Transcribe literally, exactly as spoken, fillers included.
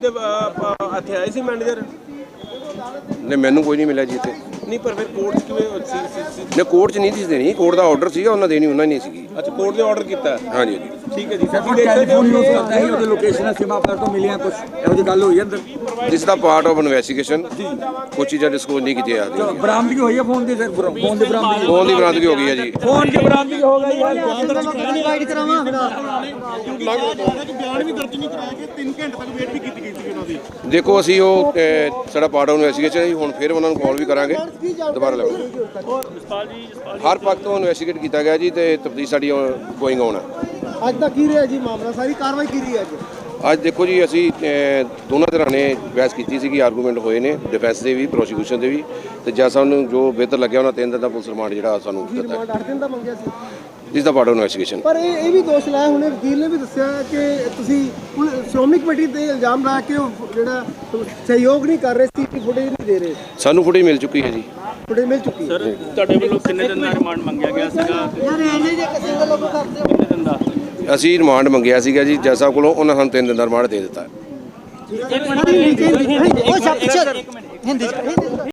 ਇੱਥੇ ਆਏ ਸੀ ਮੈਨੇਜਰ ਨਹੀਂ ਮੈਨੂੰ ਕੋਈ ਨਹੀਂ ਮਿਲਿਆ ਜੀ ਇੱਥੇ ਨਹੀਂ ਪਰ ਫਿਰ ਕੋਰਟ 'ਚ ਕਿਵੇਂ ਸੀ ਸੀ ਨਹੀਂ ਕੋਰਟ 'ਚ ਨਹੀਂ ਸੀ ਦੇਣੀ ਕੋਰਟ ਦਾ ਆਰਡਰ ਸੀਗਾ ਉਹਨਾਂ ਦੇਣੀ ਉਹਨਾਂ ਨੇ ਨਹੀਂ ਸੀਗੀ ਅੱਛਾ ਕੋਰਟ ਨੇ ਆਰਡਰ ਕੀਤਾ ਹਾਂਜੀ ਜੀ ਠੀਕ ਹੈ ਜੀ ਸਰ ਟੈਲੀਫੋਨ ਯੂਜ਼ ਕਰਦਾ ਸੀ ਉਹਦੇ ਲੋਕੇਸ਼ਨ ਸੀਮਾ ਪਰ ਤੋਂ ਮਿਲੀਆਂ ਕੁਝ ਇਹੋ ਜਿਹੀ ਗੱਲ ਹੋਈ ਹੈ ਅੰਦਰ ਦਿਸ ਦਾ ਪਾਰਟ ਆਫ ਇਨਵੈਸਟੀਗੇਸ਼ਨ ਕੁਝ ਚੀਜ਼ਾਂ ਡਿਸਕਲੋਜ਼ ਨਹੀਂ ਕੀਤੀਆਂ ਜਾਂਦੀਆਂ ਬਰਾਮਦਗੀ ਹੋਈ ਹੈ ਫੋਨ ਦੀ ਸਰ ਫੋਨ ਦੀ ਬਰਾਮਦਗੀ ਫੋਨ ਦੀ ਬਰਾਮਦਗੀ ਹੋ ਗਈ ਹੈ ਜੀ ਫੋਨ ਦੀ ਬਰਾਮਦਗੀ ਹੋ ਗਈ ਹੈ ਡਿਵਾਈਡ ਕਰਾਵਾਂ ਬਿਆਨ ਵੀ ਦਰਜ ਨਹੀਂ ਕਰਾਇਆ ਕਿ ਤਿੰਨ ਘੰਟੇ ਤੱਕ ਵੇਟ ਵੀ ਕੀਤੀ ਗਈ ਸੀ ਉਹਨਾਂ ਦੀ। ਦੇਖੋ ਅਸੀਂ ਉਹ ਅਹ, ਸਾਡਾ ਪਾਰਟ ਆਫ ਇਨਵੈਸਟੀਗੇਸ਼ਨ ਹੈ ਜੀ ਹੁਣ ਫਿਰ ਉਹਨਾਂ ਨੂੰ ਕਾਲ ਵੀ ਕਰਾਂਗੇ ਦੁਬਾਰਾ ਲਾਵਾਂਗੇ ਹਰ ਪੱਖ ਤੋਂ ਇਨਵੈਸਟੀਗੇਟ ਕੀਤਾ ਗਿਆ ਜੀ ਤੇ ਤਫਤੀਸ਼ ਸਾਡੀ ਗੋਇੰਗ ਔਨ ਹੈ। ਅੱਜ ਦਾ ਕੀ ਰਿਹਾ ਜੀ ਮਾਮਲਾ ਸਾਰੀ ਕਾਰਵਾਈ ਕੀ ਰਹੀ ਅੱਜ ਅੱਜ ਦੇਖੋ ਜੀ ਅਸੀਂ ਅਹ, ਦੋਨਾਂ ਧਿਰਾਂ ਨੇ ਬਹਿਸ ਕੀਤੀ ਸੀਗੀ ਆਰਗੂਮੈਂਟ ਹੋਏ ਨੇ ਡਿਫੈਂਸ ਦੇ ਵੀ ਪ੍ਰੋਸੀਕਿਊਸ਼ਨ ਦੇ ਵੀ ਤੇ ਜੱਜ ਸਾਹਿਬ ਨੂੰ ਜੋ ਬਿਹਤਰ ਲੱਗਿਆ ਉਹਨਾਂ ਤਿੰਨ ਦਿਨ ਦਾ ਪੁਲਿਸ ਰਿਮਾਂਡ ਜਿਹੜਾ ਸਾਨੂੰ ਦਿੱਤਾ ਰਿਮਾਂਡ ਅੱਠ ਦਿਨ ਦਾ ਮੰਗਿਆ ਸੀ ਜਿਸ ਦਾ ਪਾਰਟ ਆਫ ਇਨਵੈਸਟੀਗੇਸ਼ਨ ਪਰ ਇਹ ਇਹ ਵੀ ਦੋਸ਼ ਲਾਇਆ ਹੁਣੇ ਵਕੀਲ ਨੇ ਵੀ ਦੱਸਿਆ ਕਿ ਤੁਸੀਂ ਹੁਣ ਸ਼੍ਰੋਮਣੀ ਕਮੇਟੀ ਤੇ ਇਲਜ਼ਾਮ ਲਾ ਕੇ ਉਹ ਜਿਹੜਾ ਸਹਿਯੋਗ ਨਹੀਂ ਕਰ ਰਹੇ ਸੀ ਕਿ ਫੁਟੇਜ ਨਹੀਂ ਦੇ ਰਹੇ ਸਾਨੂੰ ਫੁਟੇਜ ਮਿਲ ਚੁੱਕੀ ਹੈ ਜੀ ਫੁਟੇਜ ਮਿਲ ਚੁੱਕੀ ਹੈ ਸਰ ਤੁਹਾਡੇ ਵੱਲੋਂ ਕਿੰਨੇ ਦਿਨ ਦਾ ਰਿਮਾਂਡ ਮੰਗਿਆ ਗਿਆ ਸੀਗਾ ਯਾਰ ਇਹਨੇ ਜੇ ਕਿਸੇ ਦਾ ਲੋਕ ਕਰਦੇ ਕਿੰਨੇ ਦਿਨ ਦਾ ਅਸੀਂ ਰਿਮਾਂਡ ਮੰਗਿਆ ਸੀਗਾ ਜੀ ਜੱਜ ਸਾਹਿਬ ਕੋਲੋਂ ਉਹਨਾਂ ਸਾਨੂੰ ਤਿੰਨ ਦਿਨ ਦਾ ਰਿਮਾਂਡ ਦੇ ਦਿੱਤਾ ਉਹ ਸਭ ਹਿੰਦੀ